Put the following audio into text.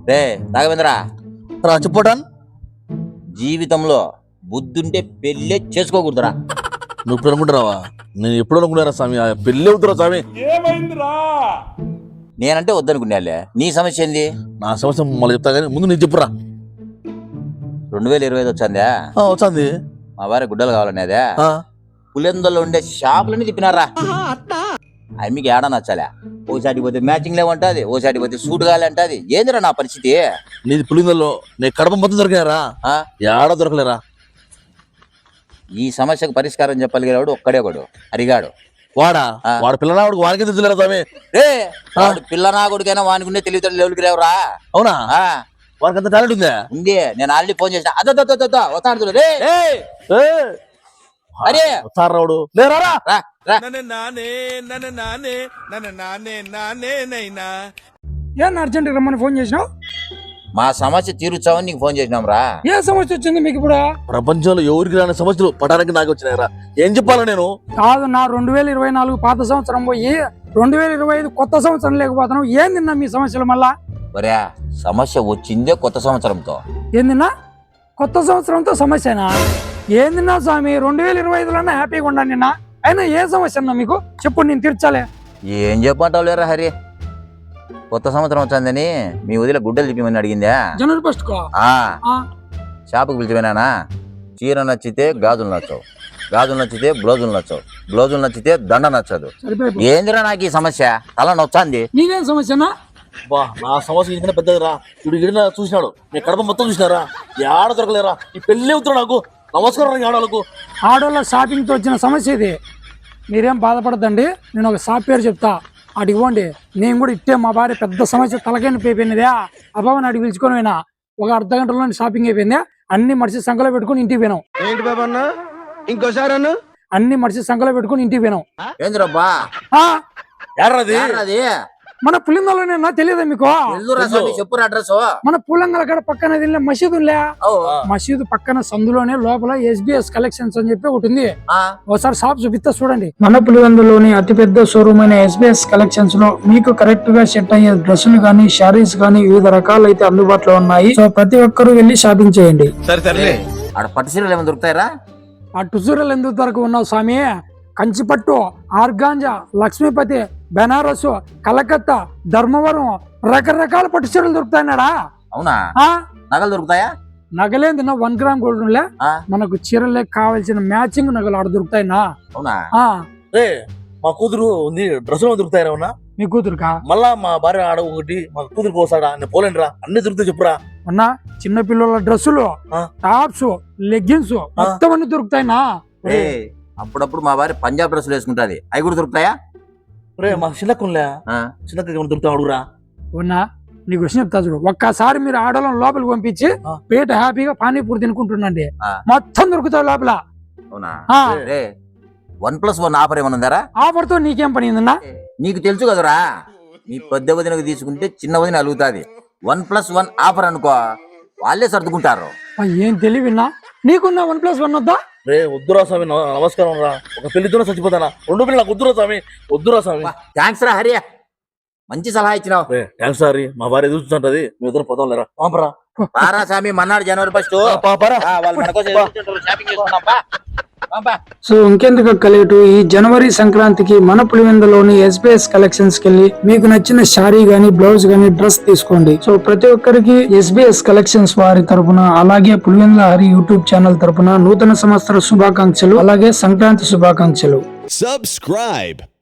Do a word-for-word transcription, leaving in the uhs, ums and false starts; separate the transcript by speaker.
Speaker 1: రే రాఘవేంద్ర
Speaker 2: రా చెప్పటాన్
Speaker 1: జీవితంలో బుద్ధుంటే పెళ్ళే చేసుకోకూడదురా.
Speaker 2: నువ్వు ఇప్పుడు అనుకుంటున్నావా? నేను ఎప్పుడు అనుకున్నారా స్వామి, పెళ్ళి అవుతురా స్వామి.
Speaker 1: నేనంటే వద్దనుకున్నాలే, నీ సమస్య ఏంది?
Speaker 2: నా సమస్య మళ్ళీ చెప్తా కానీ ముందు నేను చెప్పురా.
Speaker 1: రెండు వేల ఇరవై ఐదు వచ్చిందా?
Speaker 2: వచ్చింది.
Speaker 1: మా వారి గుడ్డలు కావాలనేదే పులిందల్లో ఉండే షాపులన్నీ తిప్పినారా. అవి మీకు ఏడా నచ్చాలే. ఓసాటి పోతే మ్యాచింగ్ లేవంటది, ఓసాటి పోతే సూట్ కావాలంటది. ఏందిరా నా పరిస్థితి?
Speaker 2: నీది పులిందల్లో నేను కడప మొత్తం దొరికినారా, ఏడా దొరకలేరా.
Speaker 1: ఈ సమస్యకు పరిష్కారం చెప్పగలిగేవాడు ఒక్కడే ఒకడు, అరిగాడు.
Speaker 2: వాడా వాడు పిల్లనాడు వాడికి తెలుసులేరా స్వామి.
Speaker 1: రే వాడు పిల్లనాగుడికైనా వానికి తెలివితేటలు లెవెల్కి లేవురా.
Speaker 2: అవునా? వాడికి అంత టాలెంట్ ఉందా?
Speaker 1: ఉంది. నేను ఆల్రెడీ ఫోన్ చేసిన. అదో వస్తాడు రే. అరే
Speaker 2: సార్ రావుడు లేరా
Speaker 3: ఏం అర్జెంట్ రమ్మని ఫోన్ చేసినావు?
Speaker 1: మా సమస్య తీరుచావని నీకు ఫోన్ చేసినాం రా.
Speaker 3: ఏ సమస్య వచ్చింది మీకు ఇప్పుడు?
Speaker 2: ప్రపంచంలో ఎవరికి రాని సమస్యలు పటానికి నాకు వచ్చినాయరా. ఏం చెప్పాలా నేను?
Speaker 3: కాదు, నా రెండు వేల ఇరవై నాలుగు పాత సంవత్సరం పోయి రెండు వేల ఇరవై ఐదు కొత్త సంవత్సరం లేకపోతున్నావు. ఏం తిన్నా మీ సమస్యలు మళ్ళా?
Speaker 1: ఒరే సమస్య వచ్చిందే కొత్త సంవత్సరంతో.
Speaker 3: ఏం తిన్నా? కొత్త సంవత్సరంతో సమస్యనా? ఏం తిన్నా స్వామి? రెండు వేల ఇరవై ఐదులోనే హ్యాపీగా ఉండండి నిన్న. అయినా ఏ సమస్య అన్నా మీకు చెప్పు, నేను తీర్చాలే.
Speaker 1: ఏం చెప్పంటావు లేరా హరి? కొత్త సంవత్సరం వచ్చిందని మీ వదిలే గుడ్డలు తిప్పమని అడిగిందా?
Speaker 3: జనవరి ఫస్ట్ కో
Speaker 1: షాపుకి పిలిచిపోయినానా. చీర నచ్చితే గాజులు నచ్చవు, గాజులు నచ్చితే బ్లౌజులు నచ్చవు, బ్లౌజులు నచ్చితే దండ నచ్చదు. ఏందిరా నాకు ఈ సమస్య? తల నొచ్చాంది.
Speaker 3: నీదేం సమస్యనా?
Speaker 2: బా నా సమస్య ఇంకనే పెద్దదిరా. ఇప్పుడు ఇడిన చూసినాడు, నేను కడప మొత్తం చూసినారా, ఏడ దొరకలేరా. ఈ పెళ్ళి అవుతున్నా నాకు. నమస్కారం ఆడవాళ్ళకు.
Speaker 3: ఆడవాళ్ళ షాపింగ్ తో వచ్చిన సమస్య ఇది. మీరేం బాధపడద్దండి, నేను ఒక సాఫ్ట్వేర్ చెప్తా, అటు ఇవ్వండి. నేను కూడా ఇట్టే మా భార్య పెద్ద సమస్య తలకైన అయిపోయినదే. అబ్బాబు అడిగి పిలుచుకొని పోయినా, ఒక అర్ధ గంటలో షాపింగ్ అయిపోయింది. అన్ని మడిచి సంఖలో పెట్టుకుని ఇంటికి పోయినాం.
Speaker 4: ఏంటి బాబా అన్న ఇంకోసారి అన్న?
Speaker 3: అన్ని మడిచి సంఖలో పెట్టుకుని ఇంటికి పోయినాం.
Speaker 1: ఏంద్రబ్బా
Speaker 3: అది మన పులిందలోనే తెలియదా మీకు?
Speaker 1: చెప్పురా అడ్రస్.
Speaker 3: మన పులంగల కాడ పక్కన మసీదు ఉంలే, మసీదు పక్కన సందులోనే లోపల ఎస్బిఎస్ కలెక్షన్స్ అని చెప్పి ఒకటి ఉంది. ఒకసారి షాప్ చూపిస్తా చూడండి. మన పులివెందులోని అతిపెద్ద షోరూమ్ అయిన ఎస్బిఎస్ కలెక్షన్స్ లో మీకు కరెక్ట్ గా సెట్ అయ్యే డ్రెస్సులు గానీ, శారీస్ గానీ వివిధ రకాలు అయితే అందుబాటులో ఉన్నాయి. సో ప్రతి ఒక్కరూ వెళ్లి షాపింగ్ చేయండి.
Speaker 1: పట్టు చీరలు ఏమైనా దొరుకుతాయరా?
Speaker 3: పట్టు చీరలు ఎందుకు దొరక ఉన్నావు స్వామి? కంచిపట్టు, ఆర్గాంజా, లక్ష్మీపతి, బెనారస్, కలకత్తా, ధర్మవరం రకరకాల పట్టు చీరలు దొరుకుతాయన్నాడా?
Speaker 1: అవునా? నగలు దొరుకుతాయా?
Speaker 3: నగలేంది నా వన్ గ్రామ్ గోల్డ్ ఉండే మనకు చీరలే కావాల్సిన మ్యాచింగ్ నగలు ఆడ దొరుకుతాయినా.
Speaker 1: అవునా?
Speaker 2: మా కూతురు ఉంది, డ్రెస్సులు దొరుకుతాయన్నా.
Speaker 3: మీ కూతురుకా?
Speaker 2: మళ్ళా మా భార్య ఆడ ఒకటి, మా కూతురు పోసాడా, నేను పోలేండి రా. అన్ని దొరుకుతాయి చెప్పురా.
Speaker 3: అన్నా చిన్న పిల్లల డ్రెస్సులు, టాప్స్, లెగ్గిన్స్ మొత్తం అన్ని దొరుకుతాయినా.
Speaker 1: అప్పుడప్పుడు మా భార్య పంజాబ్ డ్రెస్సులు వేసుకుంటాది, అవి కూడా దొరుకుతాయా?
Speaker 2: రే మా చిన్నకులే చిన్నకి దొరుకుతా అడుగురా.
Speaker 3: ఉన్నా నీకు విషయం చెప్తా చూడు. ఒక్కసారి మీరు ఆడవాళ్ళని లోపలికి పంపించి పేట హ్యాపీగా పానీపూరి తినుకుంటుండండి, మొత్తం దొరుకుతాయి లోపల.
Speaker 1: అవునా? వన్ ప్లస్ వన్ ఆఫర్ ఏమన్నా ఉందారా?
Speaker 3: ఆఫర్ తో నీకేం పని ఉందన్నా?
Speaker 1: నీకు తెలుసు కదరా, నీ పెద్ద వదినకు తీసుకుంటే చిన్న వదిన అలుగుతాది. వన్ ప్లస్ వన్ ఆఫర్ అనుకో, వాళ్ళే సర్దుకుంటారు.
Speaker 3: ఏం తెలివిన్నా నీకున్నా వన్ ప్లస్ వన్ వద్దా?
Speaker 2: రే వద్దురా స్వామి, నమస్కారం రా. ఒక పెళ్లితోనే చచ్చిపోతానా, రెండు పిల్లలు నాకు వద్దురా స్వామి, వద్దురా స్వామి.
Speaker 1: థ్యాంక్స్ రా హరి, మంచి సలహా ఇచ్చినావు.
Speaker 2: థ్యాంక్స్ సారీ, మా భార్య ఎదుగుతుంటది, మీ ఇద్దరు పోతాం లేరా.
Speaker 1: పారా స్వామి, మన్నాడు జనవరి ఫస్ట్ షాపింగ్ చేసుకున్నాం.
Speaker 3: సో ఇంకెందుకు అక్కలేటు, ఈ జనవరి సంక్రాంతికి మన పులివెందులోని ఎస్బిఎస్ కలెక్షన్స్ కెళ్ళి మీకు నచ్చిన శారీ గానీ, బ్లౌజ్ గానీ, డ్రెస్ తీసుకోండి. సో ప్రతి ఒక్కరికి ఎస్బిఎస్ కలెక్షన్స్ వారి తరపున, అలాగే పులివెందుల హరి యూట్యూబ్ ఛానల్ తరపున నూతన సంవత్సర శుభాకాంక్షలు, అలాగే సంక్రాంతి శుభాకాంక్షలు.
Speaker 5: Subscribe.